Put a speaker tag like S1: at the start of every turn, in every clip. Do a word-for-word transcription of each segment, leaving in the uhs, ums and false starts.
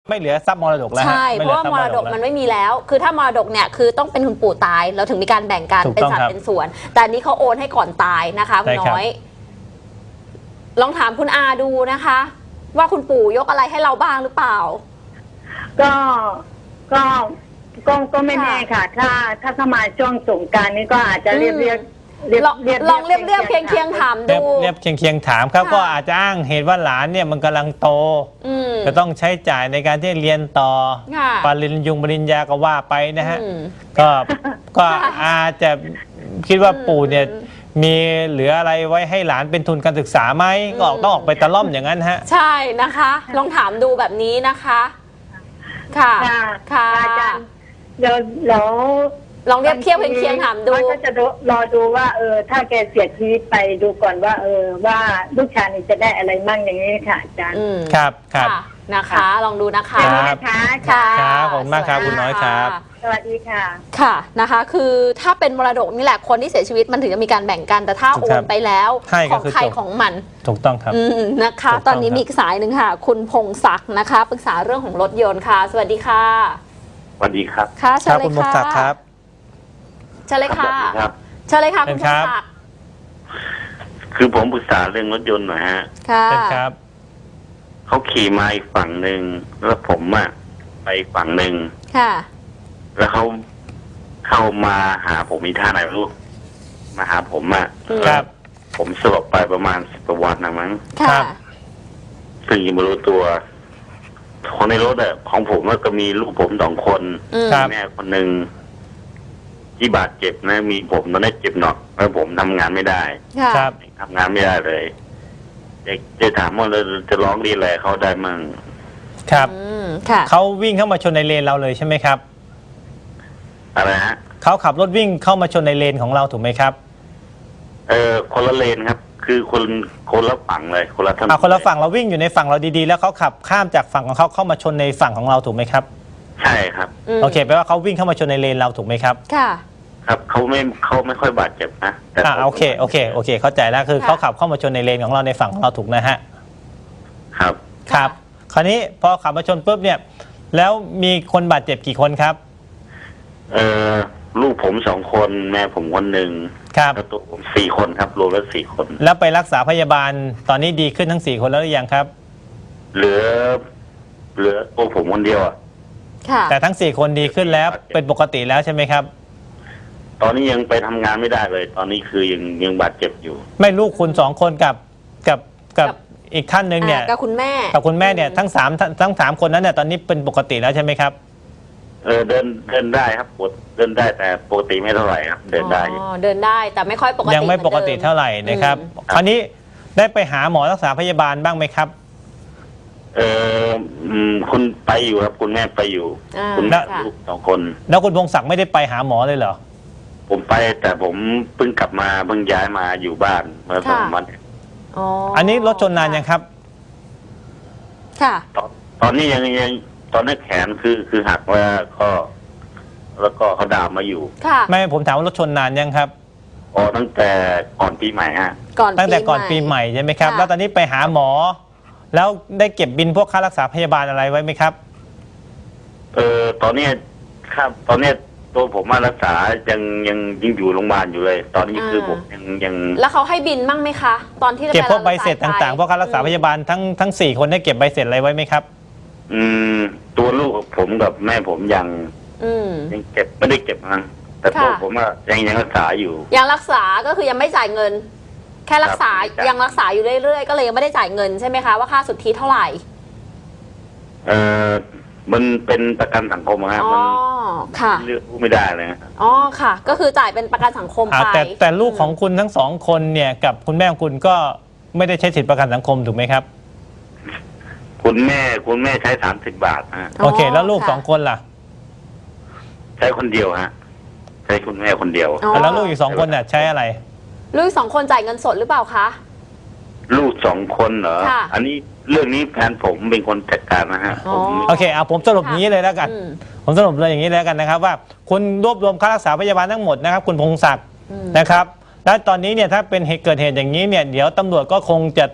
S1: ไม่เหลือทรัพย์มรดกแล้ว
S2: ใช่เพราะว่ามรดกมันไม่มีแล้วคือถ้ามรดกเนี่ยคือต้องเป็นคุณปู่ตายเราถึงมีการแบ่งกันเป็นสัดเป็นส่วนแต่อันนี้เขาโอนให้ก่อนตายนะคะคุณน้อยลองถามคุณอาดูนะคะว่าคุณปู่ยกอะไรให้เราบ้างหรือเปล่า
S3: ก็ก็ก็ก็ไม่แน่ค่ะถ้าถ้าเข้ามาช่วงสงกรานต์นี้ก็อาจจะเรียกเรียก
S2: ลองลองเรียบเรียบเคียงเคียงถามดู
S1: เรียบเคียงเคียงถามครับก็อาจจะอ้างเหตุว่าหลานเนี่ยมันกำลังโตจะต้องใช้จ่ายในการที่เรียนต่อปริญญาปริญญาก็ว่าไปนะฮะก็ก็อาจจะคิดว่าปู่เนี่ยมีเหลืออะไรไว้ให้หลานเป็นทุนการศึกษาไหมก็ต้องออกไปตะล่อมอย่างนั้นฮะ
S2: ใช่นะคะลองถามดูแบบนี้นะคะค่ะ
S3: ค่ะอาจารย์เดี๋ยวแล้ว
S2: ลองเรียบเทียบเคียงถามดู
S3: ก็จะรอดูว่าเออถ้าแกเสียชีวิตไปดูก่อนว่าเออว่าลูกชายนี่จะได้อะไรมั่งอย่างนี้ค่ะอาจารย์
S1: ครับครับ
S2: นะคะลองดูนะคะ
S3: นะคะ
S2: ค่ะ
S1: ครับขอบคุณมากครับคุณน้อยครับ
S3: สวัสดีค่ะ
S2: ค่ะนะคะคือถ้าเป็นมรดกนี่แหละคนที่เสียชีวิตมันถึงจะมีการแบ่งกันแต่ถ้าโอนไปแล้วของใครของมัน
S1: ถูกต้องครับ
S2: นะคะตอนนี้มีอีกสายหนึ่งค่ะคุณพงศักดิ์นะคะปรึกษาเรื่องของรถยนต์ค่ะสวัสดีค่ะ
S4: สวัสดีครับ
S2: ค่ะเชิญเลยค่ะ
S1: คุณพงศักดิ์ครับ
S2: เชิญเลยค่ะเชิญเลยค่ะคุณพงศักดิ์
S4: คือผมปรึกษาเรื่องรถยนต์หน่อยฮะ
S2: ค่ะ
S1: ครับ
S4: เขาขี่มาอีกฝั่งหนึ่งแล้วผมอะไปฝั่งหนึ่ง
S2: ค่ะ
S4: แล้วเขาเข้ามาหาผมมีท่าไหนไม่รู้มาหาผมอะ
S1: ครับ
S4: ผมสลบไปประมาณสิบกว่าวันนะมั้ง
S2: ค่ะ
S4: ซึ่งยังไม่รู้ตัวคนในรถอะของผมก็มีลูกผมสองคนแม่คนหนึ่งที่บาดเจ็บนะมีผมตอนนี้เจ็บหนักแล้วผมทำงานไม่ได้
S1: ครับ
S4: ทำงานไม่ได้เลยจะจะถามว่าเราจะร้องดีอะไรเขาได้มั่ง
S1: ครับเขาวิ่งเข้ามาชนในเลนเราเลยใช่ไหมครับ
S4: อะไรฮะ
S1: เขาขับรถวิ่งเข้ามาชนในเลนของเราถูกไหมครับ
S4: เออคนละเลนครับคือคนคนละฝั่งเลยคนละถนน
S1: คนละฝั่งเราวิ่งอยู่ในฝั่งเราดีๆแล้วเขาขับข้ามจากฝั่งของเขาเข้ามาชนในฝั่งของเราถูกไหมครับ
S4: ใช่ครับ
S1: โอเคแปลว่าเขาวิ่งเข้ามาชนในเลนเราถูกไหมครับ
S2: ค่ะ
S4: ครับเขาไม่เขาไม่ค่อยบาดเจ็บนะ
S1: แต่โอเคโอเคโอเคเข้าใจแล้วคือเขาขับเข้ามาชนในเลนของเราในฝั่งของเราถูกนะฮะ
S4: ครับ
S1: ครับคราวนี้พอขับมาชนปุ๊บเนี่ยแล้วมีคนบาดเจ็บกี่คนครับ
S4: เอ่อลูกผมสองคนแม่ผมคนหนึ่ง
S1: ครับ
S4: แล้วตัวผมสี่คนครับรวมแล้วสี่คน
S1: แล้วไปรักษาพยาบาลตอนนี้ดีขึ้นทั้งสี่คนแล้วหรือยังครับ
S4: เหลือเหลือตัวผมคนเดียวอ่ะ
S1: แต่ทั้งสี่คนดีขึ้นแล้วเป็นปกติแล้วใช่ไหมครับ
S4: ตอนนี้ยังไปทำงานไม่ได้เลยตอนนี้คือยังยังบาดเจ็บอยู่
S1: ไม่ลูกคุณสองคนกับกับกับอีกท่านหนึ่งเนี่ย
S2: กับคุณแม่
S1: กับคุณแม่เนี่ยทั้งสามทั้งสามคนนั้นเนี่ยตอนนี้เป็นปกติแล้วใช่ไหมครับ
S4: เออเดินเดินได้ครับปวดเดินได้แต่ปกติไม่เท่าไหร่ครับเดินได้
S2: อ๋อเดินได้แต่ไม่ค่อยปกติ
S1: ยังไม่ปกติเท่าไหร่นะครับคราวนี้ได้ไปหาหมอรักษาพยาบาลบ้างไหมครับ
S4: เออคุณไปอยู่ครับคุณแม่ไปอยู่คุณแม่ลูกสองคน
S1: แล้วคุณพงศักดิ์ไม่ได้ไปหาหมอเลยเหรอ
S4: ผมไปแต่ผมเพิ่งกลับมาเพิ่งย้ายมาอยู่บ้านเมื่อสองวัน
S2: อ๋อ
S1: อันนี้รถชนนานยังครับ
S2: ค่ะ
S4: ตอนตอนนี้ยังยังตอนนี้แขนคือคือหักแล้วก็แล้วก็เขาดามมาอยู่
S2: ค่ะ
S1: ไม่ผมถามว่ารถชนนานยังครับ
S4: อ๋อตั้งแต่ก่อนปีใหม่ฮะ
S2: ก่อน
S1: ตั้งแต่ก่อนปีใหม่ใช่ไหมครับแล้วตอนนี้ไปหาหมอแล้วได้เก็บบินพวกค่ารักษาพยาบาลอะไรไว้ไหมครับ
S4: เออตอนนี้ครับตอนนี้ตัวผมมารักษายังยังยังอยู่โรงพยาบาลอยู่เลยตอนนี้คือผมยังยัง
S2: แล้วเขาให้บินมั่งไหมคะตอนที่
S1: เก็บพวกใบเสร็จต่างๆพวกค่ารักษาพยาบาลทั้งทั้งสี่คนได้เก็บใบเสร็จอะไรไว้ไหมครับ
S4: อืมตัวลูกผมกับแม่ผมยังยังเก็บไม่ได้เก็บนะแต่ตัวผมว่ายังยังรักษาอยู่
S2: ยังรักษาก็คือยังไม่จ่ายเงินแค่รักษายังรักษาอยู่เรื่อยๆก็เลยยังไม่ได้จ่ายเงินใช่ไหมคะว่าค่าสุทธิเท่าไหร่
S4: เออมันเป็นประกันสังคมครับมันเลือกไม่ได้เลย
S2: อ๋อค่ะก็คือจ่ายเป็นประกันสังคมไป
S1: แต่แต่ลูกของคุณทั้งสองคนเนี่ยกับคุณแม่ของคุณก็ไม่ได้ใช้สิทธิประกันสังคมถูกไหมครับ
S4: คุณแม่คุณแม่ใช้สามสิบบาทฮะ
S1: โอเคแล้วลูกสองคนล่ะ
S4: ใช้คนเดียวฮะใช้คุณแม่คนเดียว
S1: แล้วลูกอีกสองคนเนี่ยใช้อะไร
S2: ลูกสองคนจ่ายเงินสดหรือเปล่าคะ
S4: ลูกสองคนเหรออันนี้เรื่องนี้แฟนผมเป็นคนจัดการนะฮะ
S1: โอเคเอาผมสรุปนี้เลยแล้วกันผมสรุปเลยอย่างนี้แล้วกันนะครับว่าคุณรวบรวมค่ารักษาพยาบาลทั้งหมดนะครับคุณพงศักดิ์นะครับและตอนนี้เนี่ยถ้าเป็นเหตุเกิดเหตุอย่างนี้เนี่ยเดี๋ยวตำรวจก็คงจะ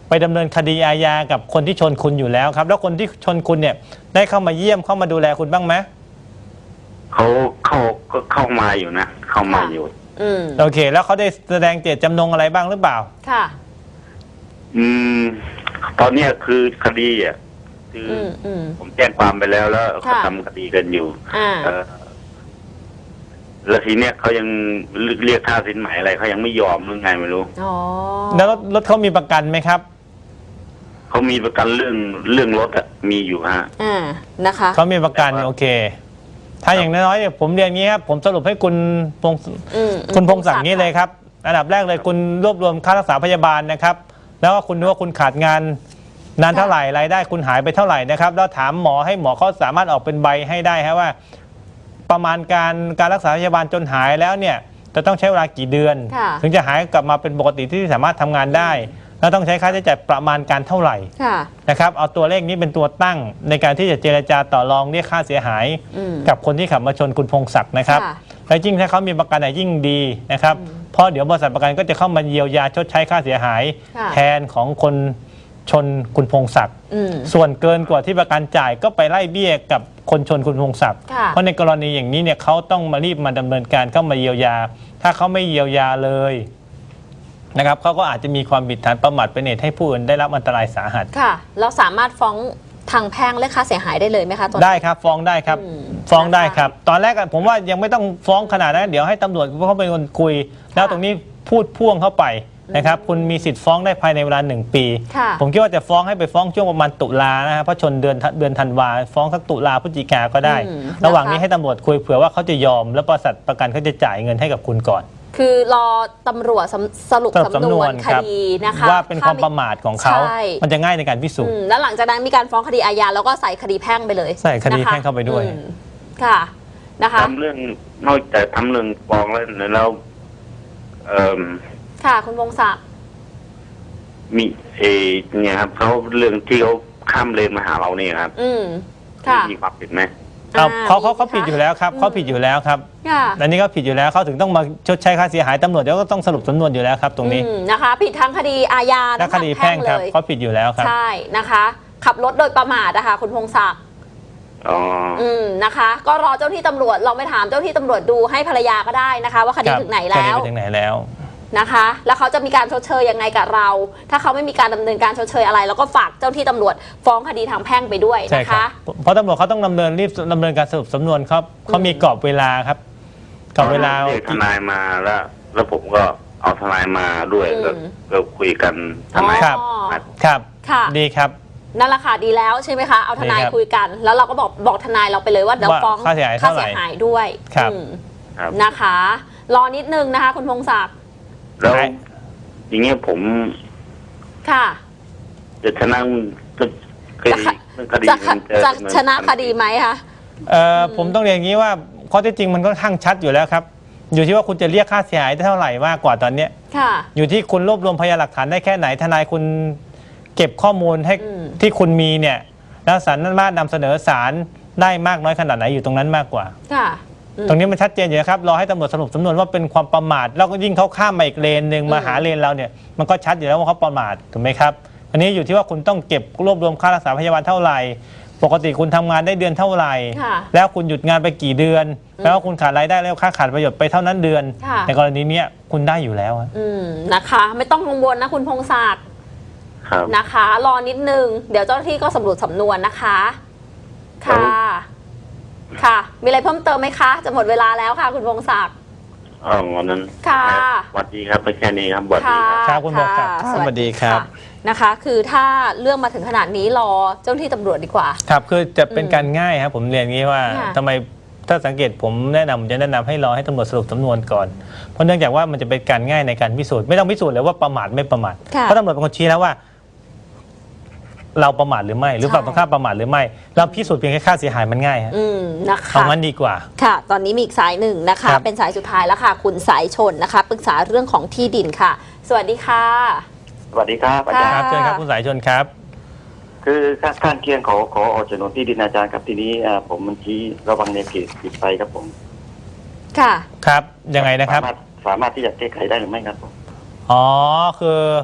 S1: ไปดำเนินคดีอาญากับคนที่ชนคุณอยู่แล้วครับแล้วคนที่ชนคุณเนี่ยได้เข้ามาเยี่ยมเข้ามาดูแลคุณบ้างไหม
S4: เขาเขาก็เข้ามาอยู่นะเข้ามาอยู่
S2: อืม
S1: โอเคแล้วเขาได้แสดงเจตจำนงอะไรบ้างหรือเปล่า
S2: ค่ะ
S4: อืมตอนเนี้ยคือคดีอ่ะคือผมแจ้งความไปแล้วแล้วเขาทำคดีกันอยู่อ่าแล้วทีเนี้ยเขายังเรียกค่าสินไหมอะไรเขายังไม่ยอมหรือไงไม่รู้
S2: อ๋อ
S1: แล้วรถเขามีประกันไหมครับ
S4: เขามีประกันเรื่องเรื่องรถอะมีอยู่ฮะ
S2: อ่านะคะ
S1: เขามีประกันโอเคถ้าอย่างน้อยๆเนี่ยผมเรียนงี้ครับผมสรุปให้คุณพงคุณพงศักดิ์นี้เลยครับอันดับแรกเลยคุณรวบรวมค่ารักษาพยาบาลนะครับแล้วก็คุณดูว่าคุณขาดงานนานเท่าไหร่รายได้คุณหายไปเท่าไหร่นะครับแล้วถามหมอให้หมอเขาสามารถออกเป็นใบให้ได้ครับว่าประมาณการการรักษาพยาบาลจนหายแล้วเนี่ยจะต้องใช้เวลากี่เดือนถึงจะหายกลับมาเป็นปกติที่สามารถทำงานได้แล้วต้องใช้ค่าใช้จ่ายประมาณการเท่าไหร่นะครับเอาตัวเลขนี้เป็นตัวตั้งในการที่จะเจรจาต่อรองเรียกค่าเสียหายกับคนที่ขับมาชนคุณพงศักดิ์นะครับและยิ่งถ้าเขามีประกันยิ่งดีนะครับเพราะเดี๋ยวบริษัทประกันก็จะเข้ามาเยียวยาชดใช้ค่าเสียหายแทนของคนชนคุณพงศักดิ์ส่วนเกินกว่าที่ประกันจ่ายก็ไปไล่เบี้ยกับคนชนคุณพงศักดิ์เพราะในกรณีอย่างนี้เนี่ยเขาต้องมารีบมาดำเนินการเข้ามาเยียวยาถ้าเขาไม่เยียวยาเลยนะครับเขาก็อาจจะมีความผิดฐานประมาทเป็นเหตุให้ผู้อื่นได้รับอันตรายสาหัส
S2: ค่ะเราสามารถฟ้องทางแพ่งเรียกค่าเสียหายได้เลยไหมคะ
S1: ได้ครับฟ้องได้ครับฟ้องได้ครับตอนแรกผมว่ายังไม่ต้องฟ้องขนาดนั้นเดี๋ยวให้ตำรวจเขาเป็นคนคุยแล้วตรงนี้พูดพ่วงเข้าไปนะครับคุณมีสิทธิ์ฟ้องได้ภายในเวลาหนึ่งปีผมคิดว่าจะฟ้องให้ไปฟ้องช่วงประมาณตุลานะครับเพราะชนเดือนเดือนธันวาฟ้องสักตุลาพฤศจิกาก็ได้ระหว่างนี้ให้ตำรวจคุยเผื่อว่าเขาจะยอมแล้วบริษัทประกันเขาจะจ่ายเงินให้กับคุณก่อน
S2: คือรอตำรวจสรุปสำนวนคดีนะคะ
S1: ว่าเป็นความประมาทของเขามันจะง่ายในการพิสูจน์
S2: แล้วหลังจากนั้นมีการฟ้องคดีอาญาแล้วก็ใส่คดีแพ่งไปเลย
S1: ใส่คดีแพ่งเข้าไปด้วย
S2: ค่ะนะคะ
S4: ทำเรื่องนอกจากทำเรื่องฟ้องแล้วแล้วเอ่อ
S2: ค่ะคุณวงศักดิ์
S4: มีเอเนี่ยครับเขาเรื่องที่เขาข้ามเลนมาหาเราเนี่ยครับ
S2: อืมค่ะ
S4: มีความผิดไหม
S1: เขาเขาเขาผิดอยู่แล้วครับเขาผิดอยู่แล้วครับอันนี้ก็ผิดอยู่แล้วเขาถึงต้องมาชดใช้ค่าเสียหายตำรวจเดี๋ยวก็ต้องสรุปสำนวนอยู่แล้วครับตรงนี้
S2: นะคะผิดทั้งคดีอาญา
S1: และคดีแพ่งครับเขาผิดอยู่แล้วครับ
S2: ใช่นะคะขับรถโดยประมาทนะคะคุณพงศักดิ์
S4: อ๋อ
S2: อืมนะคะก็รอเจ้าที่ตำรวจลองไปถามเจ้าที่ตำรวจดูให้ภรรยาก็ได้นะคะว่าคดีถึงไหนแล้ว
S1: ถึงไหนแล้ว
S2: นะคะแล้วเขาจะมีการชดเชยยังไงกับเราถ้าเขาไม่มีการดำเนินการชดเชยอะไรแล้วก็ฝากเจ้าที่ตำรวจฟ้องคดีทางแพ่งไปด้วยนะคะ
S1: เพราะตำรวจเขาต้องดำเนินรีบดำเนินการสรุปสำนวนครับเขามีกรอบเวลาครับกรอบเวลา
S4: ทนายมาแล้วแล้วผมก็เอาทนายมาด้วยก็คุยกันทนาย
S1: ครับครับ
S2: ค่ะ
S1: ดีครับ
S2: นั่นแหละค่ะดีแล้วใช่ไหมคะเอาทนายคุยกันแล้วเราก็บอกบอกทนายเราไปเลยว่าเดี๋ยวฟ้อง
S1: ค่าเสียหาย
S2: ค่าเสียหายด้วยนะคะรอนิดนึงนะคะคุณพงศักดิ์
S4: แล้วอย่างเงี้ยผม
S2: ค่ะ
S4: จะชนะคดีคดี
S2: จะชนะคดีไหมคะ
S1: เอ่อผมต้องเรียนอย่างนี้ว่าข้อเท็จจริงมันก็ค่อนข้างชัดอยู่แล้วครับอยู่ที่ว่าคุณจะเรียกค่าเสียหายได้เท่าไหร่มากกว่าตอนเนี้ย
S2: ค่ะ
S1: อยู่ที่คุณรวบรวมพยานหลักฐานได้แค่ไหนทนายคุณเก็บข้อมูลให้ที่คุณมีเนี่ยแล้วศาลนั้นมานำเสนอศาลได้มากน้อยขนาดไหนอยู่ตรงนั้นมากกว่า
S2: ค่ะ
S1: ตรงนี้มันชัดเจนอยู่ครับรอให้ตำรวจสรุปสำนวนว่าเป็นความประมาทแล้วก็ยิ่งเขาข้ามมาอีกเลนหนึ่งมาหาเลนเราเนี่ยมันก็ชัดอยู่แล้วว่าเขาประมาทถูกไหมครับอันนี้อยู่ที่ว่าคุณต้องเก็บรวบรวมค่ารักษาพยาบาลเท่าไหร่ปกติคุณทำงานได้เดือนเท่าไหร่แล้วคุณหยุดงานไปกี่เดือนแล้วคุณขาดรายได้แล้วค่าขาดประโยชน์ไปเท่านั้นเดือนในกรณีนี้คุณได้อยู่แล้ว
S2: นะคะไม่ต้องกังวลนะคุณพงศักดิ์นะคะรอนิดนึงเดี๋ยวเจ้าหน้าที่ก็สำรวจสำนวนนะคะค่ะค่ะมีอะไรเพิ่มเติมไหมคะจะหมดเวลาแล้วค่ะคุณพงศักดิ์
S4: อ๋อวันนั้น
S2: ค่ะ
S4: สวัสดีครับไปแค่นี้ครับสวัสดี
S1: ครับคุณพงศักดิ์สวัสดีครับ
S2: นะคะคือถ้าเรื่องมาถึงขนาดนี้รอเจ้าหน้าที่ตำรวจดีกว่า
S1: ครับคือจะเป็นการง่ายครับผมเรียนงี้ว่าทำไมถ้าสังเกตผมแนะนำจะแนะนำให้รอให้ตำรวจสรุปสำนวนก่อนเพราะเนื่องจากว่ามันจะเป็นการง่ายในการพิสูจน์ไม่ต้องพิสูจน์เลยว่าประมาทไม่ประมาทเพราะตำรวจเป็นคนชี้แล้วว่าเราประมาทหรือไม่หรือฝั่งตรงข้ามประมาทหรือไม่เราพิสูจน์เพียงแค่ค่าเสียหายมันง่ายฮะ
S2: นะคะ
S1: เอางั้นดีกว่า
S2: ค่ะตอนนี้มีอีกสายหนึ่งนะคะเป็นสายสุดท้ายแล้วค่ะคุณสายชนนะคะปรึกษาเรื่องของที่ดินค่ะสวัสดีค่ะ
S4: สวัสดีครับอาจารย์
S1: ครับเชิญครับคุณสายชนครับ
S4: คือข้างเคียงขอขอออกโฉนดที่ดินอาจารย์ครับทีนี้ผมมันชี้ระวังในเขตติดไฟครับผม
S2: ค่ะ
S1: ครับยังไงนะครับ
S4: สามารถที่จะแก้ไขได้หรือไม่ครับผม
S1: อ๋อคือ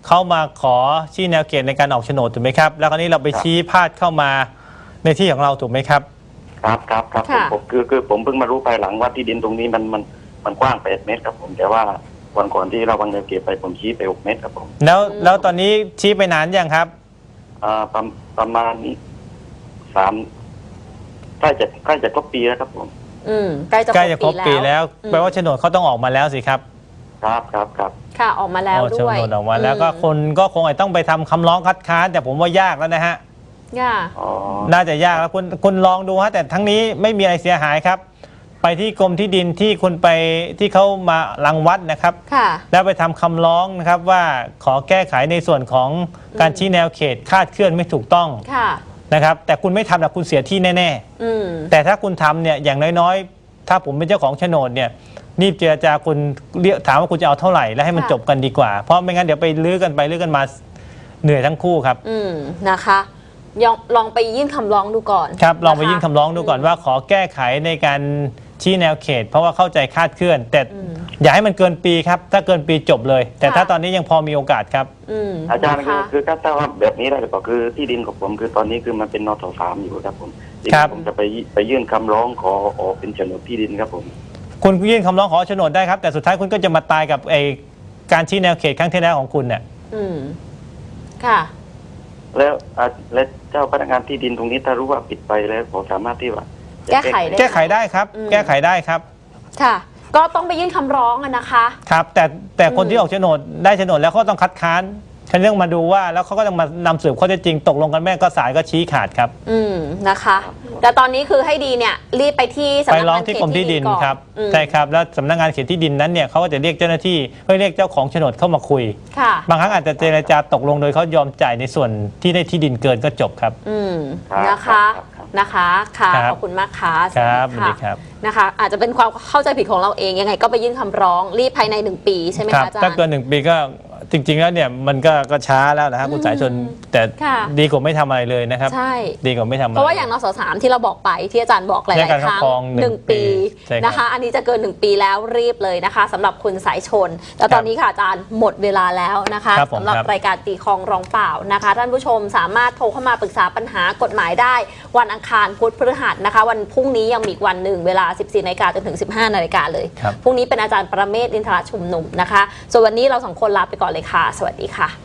S1: เขามาขอชี้แนวเขตในการออกโฉนดถูกไหมครับแล้วคราวนี้เราไปชี้พาดเข้ามาในที่ของเราถูกไหมครับ
S5: ครับครับครับผมผมคือคือผมเพิ่งมารู้ภายหลังว่าที่ดินตรงนี้มันมันมันกว้างแปดเมตรครับผมแต่ว่าวันก่อนที่เราวางแนวเขตไปผมชี้ไปหกเมตรครับผม
S1: แล้วแล้วตอนนี้ชี้ไปนานยังครับ
S5: อ่าประประมาณสามใกล้จะใกล้จะครบปีแล้วครับผม
S2: อืมใกล้จะ
S1: ใกล้จะครบปีแล้วแปลว่าโฉนดเขาต้องออกมาแล้วสิครับ
S5: ครับครับครับ
S2: ค่ะออกมาแล้วด้วย
S1: โฉนดออกมาแล้วก็คนก็คงต้องไปทำคำร้องคัดค้านแต่ผมว่ายากแล้วนะฮะ
S2: ยาก
S1: น่าจะยากแล้วคุณคุณลองดูฮะแต่ทั้งนี้ไม่มีอะไรเสียหายครับไปที่กรมที่ดินที่คุณไปที่เขามารังวัดนะครับแล้วไปทำคำร้องนะครับว่าขอแก้ไขในส่วนของการชี้แนวเขตคาดเคลื่อนไม่ถูกต้องนะครับแต่คุณไม่ทำแต่คุณเสียที่แน่ๆแต่ถ้าคุณทำเนี่ยอย่างน้อยๆถ้าผมเป็นเจ้าของโฉนดเนี่ยรีบเจรจาคุณเรียกถามว่าคุณจะเอาเท่าไหร่แล้วให้มันจบกันดีกว่าเพราะไม่งั้นเดี๋ยวไปลื้อกันไปลื้อกันมาเหนื่อยทั้งคู่ครับ
S2: อืมนะคะลองไปยื่นคำร้องดูก่อน
S1: ครับลองไปยื่นคำร้องดูก่อนว่าขอแก้ไขในการชี้แนวเขตเพราะว่าเข้าใจคาดเคลื่อนแต่อย่าให้มันเกินปีครับถ้าเกินปีจบเลยแต่ถ้าตอนนี้ยังพอมีโอกาสครับ
S5: อาจารย์คือคือถ้าว่าแบบนี้ได้ก็คือที่ดินของผมคือตอนนี้คือมันเป็นนทสามอยู่ครับผมผมจะไปไปยื่นคำร้องขอออกเป็นโฉนดที่ดินครับผม
S1: คุณยื่นคำร้องขอโฉนดได้ครับแต่สุดท้ายคุณก็จะมาตายกับไอการชี้แนวเขตครั้งที่แล้วของคุณเนี่ย
S2: อืมค่ะ
S5: แล้วและเจ้าพนักงานที่ดินตรงนี้ถ้ารู้ว่าปิดไปแล้วผมสามารถที่ว่า
S2: แก้ไขได้
S1: แก้ไขได้ครับแก้ไขได้ครับ
S2: ค่ะก็ต้องไปยื่นคำร้องนะคะ
S1: ครับแต่แต่คนที่ออกโฉนดได้โฉนดแล้วเขาต้องคัดค้านฉันเรื่องมาดูว่าแล้วเขาก็ต้องมานำสืบข้อเท็จจริงตกลงกันแม่ก็ศาลก็ชี้ขาดครับ
S2: อืมนะคะแต่ตอนนี้คือให้ดีเนี่ยรีบไปที่สำนักงานเขตที่
S1: ดินครับใช่ครับแล้วสำนักงานเขตที่ดินนั้นเนี่ยเขาก็จะเรียกเจ้าหน้าที่เพื่อเรียกเจ้าของโฉนดเข้ามาคุยบางครั้งอาจจะเจรจาตกลงโดยเขายอมจ่ายในส่วนที่ได้ที่ดินเกินก็จบครับ
S2: อืมนะคะนะคะค่ะขอบคุณมากค่ะ
S1: ครับสวัสดีครับ
S2: นะคะอาจจะเป็นความเข้าใจผิดของเราเองยังไงก็ไปยื่นคำร้องรีบภายในหนึ่งปีใช่ไหมคะอาจารย์
S1: ถ้าเกินหนึ่งปีก็จริงๆแล้วเนี่ยมันก็ก็ช้าแล้วนะครับคุณสายชนแต่ดีกว่าไม่ทำอะไรเลยนะครับ
S2: ใช่
S1: ดีกว่าไม่ทำอะไร
S2: เพราะว่าอย่างนสสามที่เราบอกไปที่อาจารย์บอกหลายๆครั้งหนึ่งปีนะคะอันนี้จะเกินหนึ่งปีแล้วรีบเลยนะคะสำหรับคุณสายชนแล้วตอนนี้ค่ะอาจารย์หมดเวลาแล้วนะคะสำหรับรายการตีคลองร้องเปล่านะคะท่านผู้ชมสามารถโทรเข้ามาปรึกษาปัญหากฎหมายได้วันอังคารพุธพฤหัสนะคะวันพรุ่งนี้ยังมีอีกวันหนึ่งเวลา สิบสี่นาฬิกาจนถึง สิบห้านาฬิกาเลยพรุ่งนี้เป็นอาจารย์ประเมศ อินทรชุมนุมนะคะส่วนวันนี้เราสองคนลาไปก่อนเลยค่ะสวัสดีค่ะ